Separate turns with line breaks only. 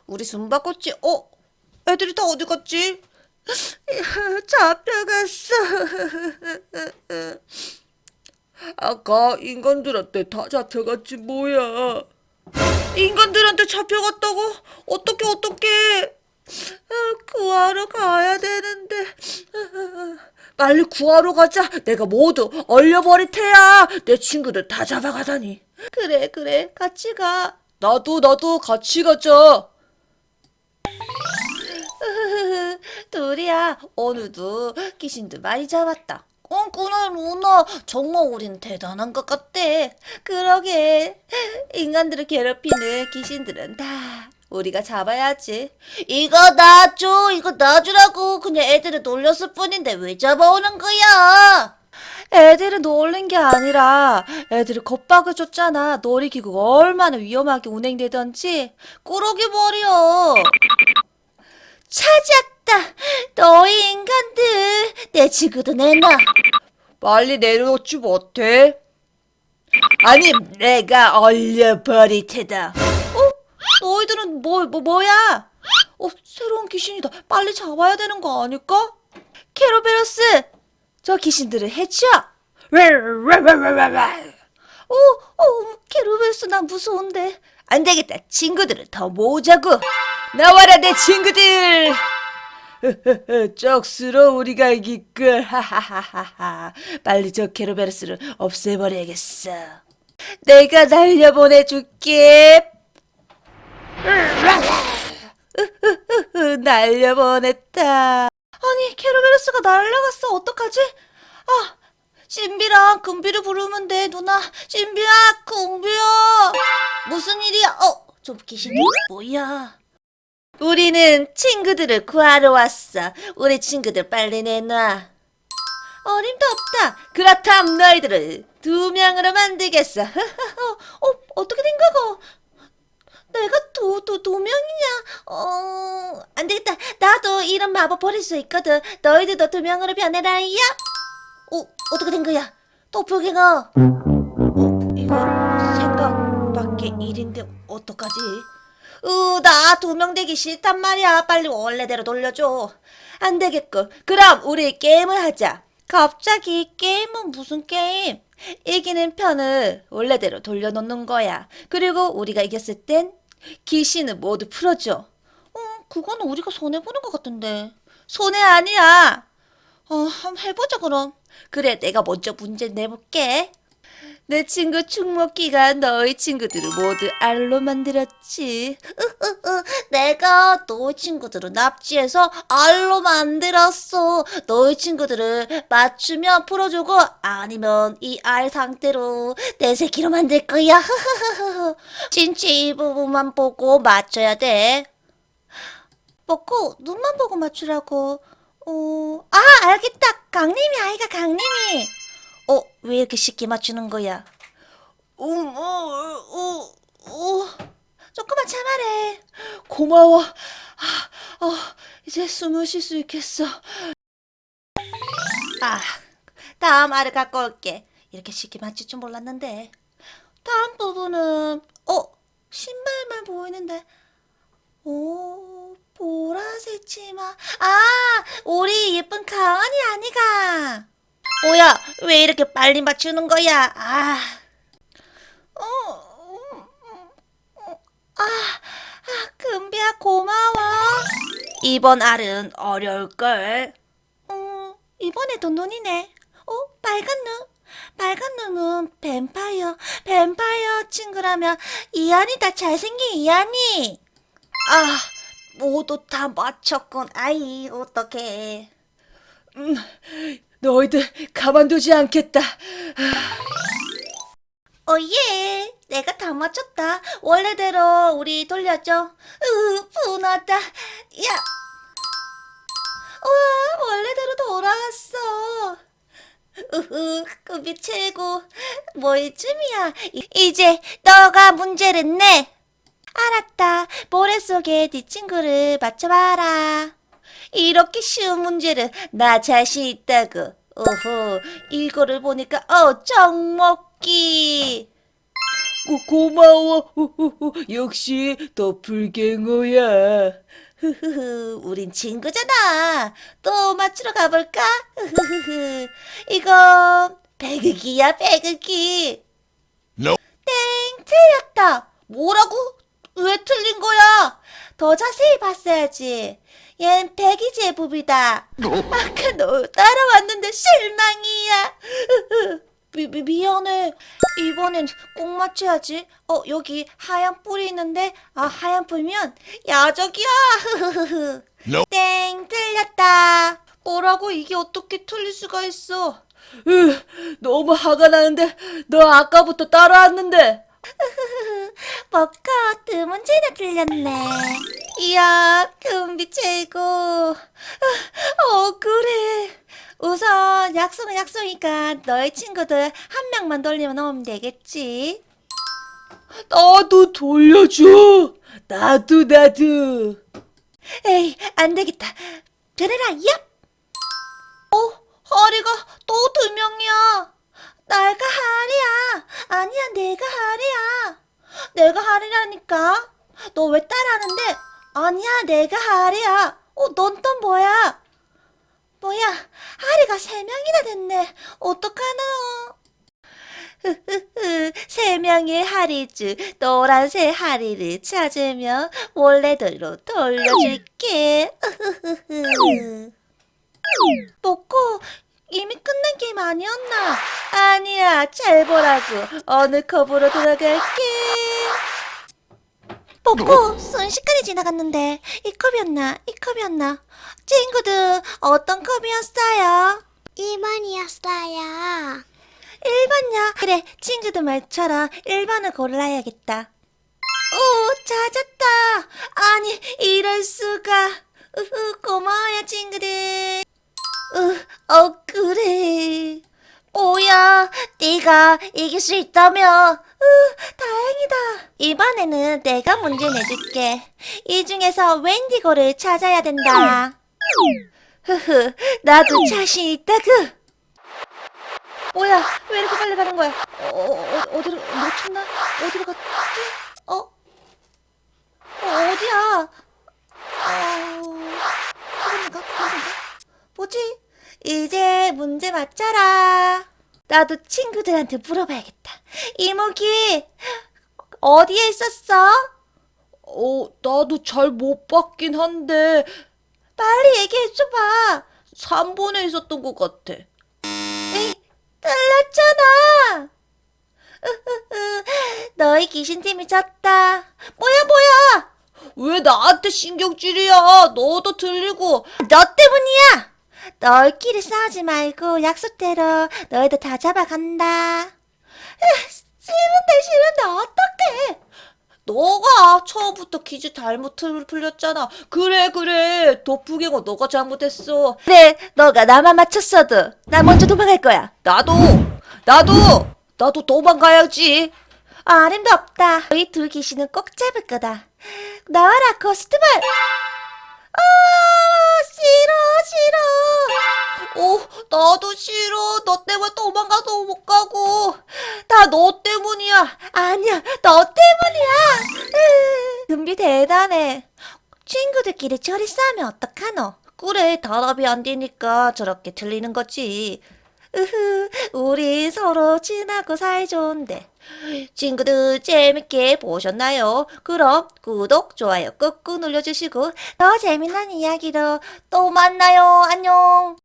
우리 숨바꿨지? 애들이 다 어디 갔지? 잡혀갔어. 아까 인간들한테 다 잡혀갔지 뭐야. 인간들한테 잡혀갔다고? 어떡해. 구하러 가야 되는데. 빨리 구하러 가자. 내가 모두 얼려버릴 테야. 내 친구들 다 잡아가다니. 그래. 같이 가. 나도 같이 가자. 둘이야, 오늘도 귀신들 많이 잡았다. 그래, 루나. 정말 우린 대단한 것 같대. 그러게. 인간들을 괴롭히는 귀신들은 다 우리가 잡아야지. 이거 놔줘. 이거 놔주라고. 그냥 애들을 놀렸을 뿐인데 왜 잡아오는 거야? 애들은 놀린 게 아니라 애들을 겁박을 줬잖아. 놀이기구가 얼마나 위험하게 운행되던지. 꾸러기 머리야. 찾았다. 너희 인간들. 내 친구도 내놔. 빨리 내려놓지 못해? 아니, 내가 얼려버릴 테다. 너희들은 뭐야? 새로운 귀신이다. 빨리 잡아야 되는 거 아닐까? 캐로베로스, 저 귀신들을 해쳐. 캐로베로스, 난 무서운데. 안 되겠다. 친구들을 더 모으자고. 나와라, 내 친구들. 쩍스러 우리가 이길걸. 하하하하하. 빨리 저 캐로베로스를 없애버려야겠어. 내가 날려보내줄게. 날려보냈다. 아니, 캐로베로스가 날아갔어. 어떡하지? 신비랑 금비를 부르면 돼, 누나. 신비야, 금비야. 무슨 일이야? 저 귀신이 뭐야? 우리는 친구들을 구하러 왔어. 우리 친구들 빨리 내놔. 어림도 없다. 그렇다면 너희들을 2명으로 만들겠어. 어떻게 된 거고? 내가 두 명이냐? 안 되겠다. 나도 이런 마법 버릴 수 있거든. 너희들도 2명으로 변해라, 야! 어떻게 된 거야? 도플갱어. 이거 생각 밖의 일인데, 어떡하지? 나 2명 되기 싫단 말이야. 빨리 원래대로 돌려줘. 안 되겠고. 그럼 우리 게임을 하자. 갑자기 게임은 무슨 게임? 이기는 편을 원래대로 돌려놓는 거야. 그리고 우리가 이겼을 땐 귀신을 모두 풀어줘. 그거는 우리가 손해보는 것 같은데. 손해 아니야. 한번 해보자 그럼. 그래, 내가 먼저 문제 내볼게. 내 친구 충목기가 너희 친구들을 모두 알로 만들었지. 내가 너희 친구들을 납치해서 알로 만들었어. 너희 친구들을 맞추면 풀어주고 아니면 이 알 상태로 내 새끼로 만들 거야. 진짜 이 부분만 보고 맞춰야 돼. 먹고 눈만 보고 맞추라고. 알겠다. 강림이 아이가 강림이. 왜 이렇게 쉽게 맞추는 거야? 조금만 참아래. 고마워. 이제 숨을 쉴 수 있겠어. 다음 알을 갖고 올게. 이렇게 쉽게 맞출 줄 몰랐는데. 다음 부분은, 신발만 보이는데. 보라색 치마. 우리 예쁜 가은이 아니가. 뭐야, 왜 이렇게 빨리 맞추는 거야? 금비야, 고마워. 이번 알은 어려울걸. 이번에도 눈이네. 빨간 눈. 빨간 눈은 뱀파이어 친구라면 이한이다. 잘생긴 이한이. 모두 다 맞췄군. 아이, 어떡해. 너희들 가만두지 않겠다. 내가 다 맞췄다. 원래대로 우리 돌려줘. 분하다. 야, 와, 원래대로 돌아왔어. 급이 최고. 뭐이쯤이야. 이제 너가 문제를 내. 알았다. 모래속에 네 친구를 맞춰봐라. 이렇게 쉬운 문제를 나 자신 있다고. 이거를 보니까 쩍먹기.
고마워. 역시 도플갱어야.
흐흐흐, 우린 친구잖아. 또 맞추러 가볼까? 흐흐흐흐, 이건 배극이야, 배극이.
No.
땡, 틀렸다. 뭐라고? 왜 틀린 거야? 더 자세히 봤어야지. 얜 배기 제법이다. 아까 너 따라왔는데 실망이야. 미안해. 이번엔 꼭 맞춰야지. 여기 하얀 뿔이 있는데, 하얀 뿔이면 야적이야.
No.
땡, 틀렸다. 뭐라고? 이게 어떻게 틀릴 수가 있어?
너무 화가 나는데 너 아까부터 따라왔는데.
먹고 두 문제나 틀렸네. 이야, 금비 최고. 그래. 우선 약속은 약속이니까 너의 친구들 한 명만 돌리면 오면 되겠지.
나도 돌려줘. 나도.
에이, 안 되겠다. 그래라, 얍! 하리가 또 두 명이야. 내가 하리야. 아니야, 내가 하리야. 내가 하리라니까. 너 왜 따라하는데? 아니야, 내가 하리야. 넌 또 뭐야? 뭐야, 하리가 세 명이나 됐네. 어떡하노? 세 명의 하리주, 노란색 하리를 찾으면 원래대로 돌려줄게. 먹고 이미 끝난 게임 아니었나? 아니야, 잘 보라고. 어느 컵으로 들어갈게. 먹고 순식간에 지나갔는데 이 컵이었나? 이 컵이었나? 친구들 어떤 컵이었어요?
1번이었어요.
1번요. 그래, 친구들 말처럼 1번을 골라야겠다. 오, 찾았다. 아니, 이럴 수가. 고마워요, 친구들. 그래. 뭐야, 네가 이길 수 있다며. 다행이다. 이번에는 내가 문제 내줄게. 이 중에서 웬디고를 찾아야 된다. 나도 자신 있다구. 뭐야, 왜 이렇게 빨리 가는 거야? 어디로, 놓쳤나? 어디로 갔지? 어디야? 그건가? 뭐지? 이제 문제 맞춰라. 나도 친구들한테 물어봐야겠다. 이모기, 어디에 있었어?
나도 잘 못 봤긴 한데
빨리 얘기해줘봐.
3번에 있었던 것 같아.
에이, 틀렸잖아. 너희 귀신팀이 졌다. 뭐야?
왜 나한테 신경질이야? 너도 들리고.
너 때문이야. 너희끼리 싸우지 말고 약속대로 너희들 다 잡아간다. 싫은데 어떡해.
너가 처음부터 퀴즈 잘못 풀렸잖아. 그래. 도플갱어 너가 잘못했어.
그래, 너가 나만 맞췄어도 나 먼저 도망갈 거야.
나도 도망가야지.
어림도 없다. 너희 둘 귀신은 꼭 잡을 거다. 나와라, 고스트볼. 싫어.
나도 싫어. 너 때문에 도망가도 못 가고. 다 너 때문이야.
아니야, 너 때문이야. 금비 대단해. 친구들끼리 저리 싸우면 어떡하노?
그래, 단합이 안 되니까 저렇게 틀리는 거지.
우리 서로 친하고 사이좋은데.
친구들 재밌게 보셨나요? 그럼 구독, 좋아요 꾹꾹 눌러주시고
더 재미난 이야기로 또 만나요. 안녕.